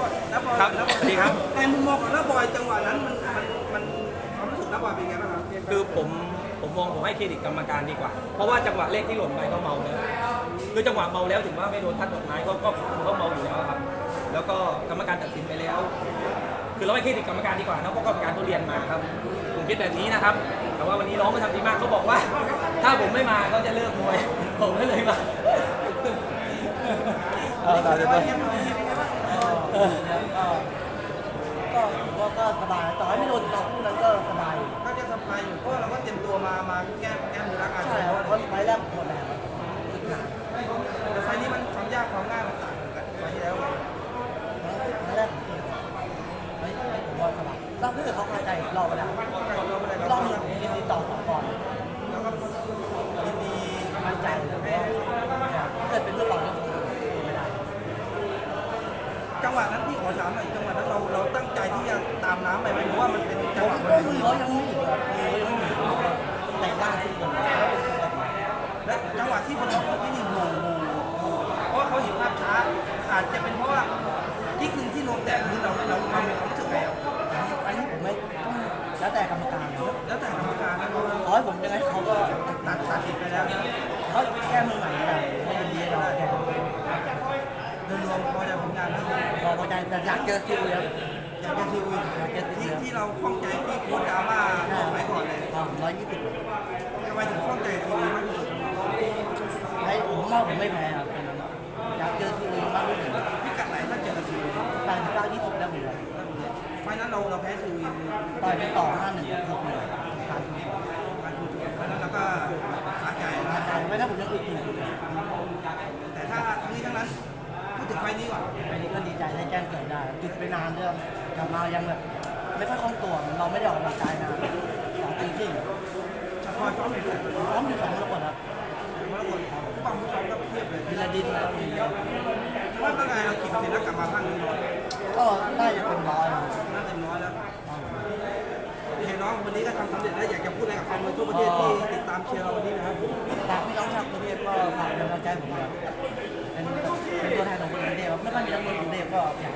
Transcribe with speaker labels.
Speaker 1: ครับสวัสดีครับ
Speaker 2: ในมุมมองของน้าบอยจังหวะนั้นมันความรู้สึกน้าบอยเป็นไงบ้างครับ
Speaker 1: คือผมให้เครดิตกรรมการดีกว่า เพราะว่าจังหวะเลขที่หล่นไปก็เมาแล้วคือจังหวะเมาแล้วถึงว่าไม่โดนทัดดอกไม้ก็เมาอยู่แล้วครับ แล้วก็กรรมการตัดสินไปแล้ว คือเราให้เครดิตกรรมการดีกว่าเนาะเพราะกรรมการเขาเรียนมาครับผมคิดแบบนี้นะครับ แต่ว่าวันนี้น้องไม่ทำดีมากเขาบอกว่า ถ้าผมไม่มาเขาจะเลิกมวยผมก็เลยมา
Speaker 2: ตอนนี้เป็นไงบ้าง
Speaker 3: ก็สบายต่อให้ไม่โดนเราคู่นั้นก็สบาย
Speaker 2: ก็จะสบายอยู่เพราะเราก็เตรียมตัวมาแก้มือรักกัน
Speaker 3: ใช่ครับเพราะไฟแรกหมดแล้วจุดหนัก
Speaker 2: แต่ไฟนี้มันความยากความง่ายมันต่างกันไฟที่แล้ว
Speaker 3: ไฟแรกผมว่าสบายเราเพื่อเขาเข้าใจเราไปแล้วเรามียินดีต่อก่อน
Speaker 2: แล้วก็ยินดี
Speaker 3: มั่นใจแล้วก็ถ้าเกิดเป็นเรื่องเราก็คงไม่ได้
Speaker 2: จังหวะนั้นพี่ขอถามหน่อยจังหวะนั้นเราตั้งใจที่จะตามน้ำไปไหมหรือว่ามันเป็นจังหวะ
Speaker 3: ก็มือเขายังไม่ถึงครับมือเขายังไม่ถึงแต่ล่างขึ้นบนแล้วเป็นตัวใหม่
Speaker 2: และจังหวะที่มันออกที่นี่งงเพราะว่าเขาเห็นภาพช้าอาจจะเป็นเพราะว่าที่คืนที่ลงแตกคือเรามีความรู้สึกไงครับ
Speaker 3: อันนี้ผมไม่ต้องแล้วแต่กรรมการนะ
Speaker 2: แล้วแต่กรรมการนะ
Speaker 3: ร้อยผมยังไงเขาก็
Speaker 2: ตัดสินไปแล้ว
Speaker 3: เขาแก้มือใหม่ไม่ได้ไม่ยินดีให้เราแก้
Speaker 2: โดยรวมพอใจผลงานแล้ว
Speaker 3: พอใจแต่อยากเจอคิวครับ
Speaker 2: อยากจะทีวีที่เราข้องใจที่โค้ชดราม่าบอกไว้ก่อนเลย
Speaker 3: 120
Speaker 2: ทำไมถึงข้องใจทีวีมากที่สุด
Speaker 3: ให้ผมว่าผมไม่แพ้ครับอยากเจอคิวมากที่สุด
Speaker 2: พิกัดไหนถ้าเจอทีวี
Speaker 3: แต่20ได้หมดเลย
Speaker 2: ไฟนั้นเราแพ้ทีวี
Speaker 3: ต่อยไปต่อ51 6 1ขาดทุน
Speaker 2: ไฟนั้นเราก็สาใจนะ
Speaker 3: ใจไม่ได้ผมยังอึดอยู่
Speaker 2: แต่ถ้าทั้งนี้ทั้งนั้นพูดถึงไฟนี้ก่อน
Speaker 3: อันนี้ก็ดีใจได้แจ้งเกิดได้จุดไปนานเรื่องกลับมายังแบบไม่ค่อยคล่องตัวเราไม่ได้ออกกำลังกายนาน2 ปีครึ่ง
Speaker 2: เฉพาะจ้อมเป็นแบบ
Speaker 3: พร้อมอยู่2 มรกตครับ
Speaker 2: มรกตความผู้ชมก็เทียบเลย
Speaker 3: วิลาดินแล้วมี
Speaker 2: ว่าตั้งไงเราขี่เสร็จแล้วกลับมาพังนี้
Speaker 3: ก็น่าจะเป็นร้อยนะ
Speaker 2: น่าเต็มร้อยแล้วเห็นน้องวันนี้ก็ทำสำเร็จแล้วอยากจะพูดอะไรกับแฟนมวยทั่วประเทศที่ติดตามเชียร์เราวันนี้นะครับ
Speaker 3: ฝากพี่น้องชาวกรุงเทพก็ฝากเป็นกำลังใจผมครับเป็นตัวแทนของคนกรุงเทพครับไม่ค่อยมีนักมวยกรุงเทพก็อยากให้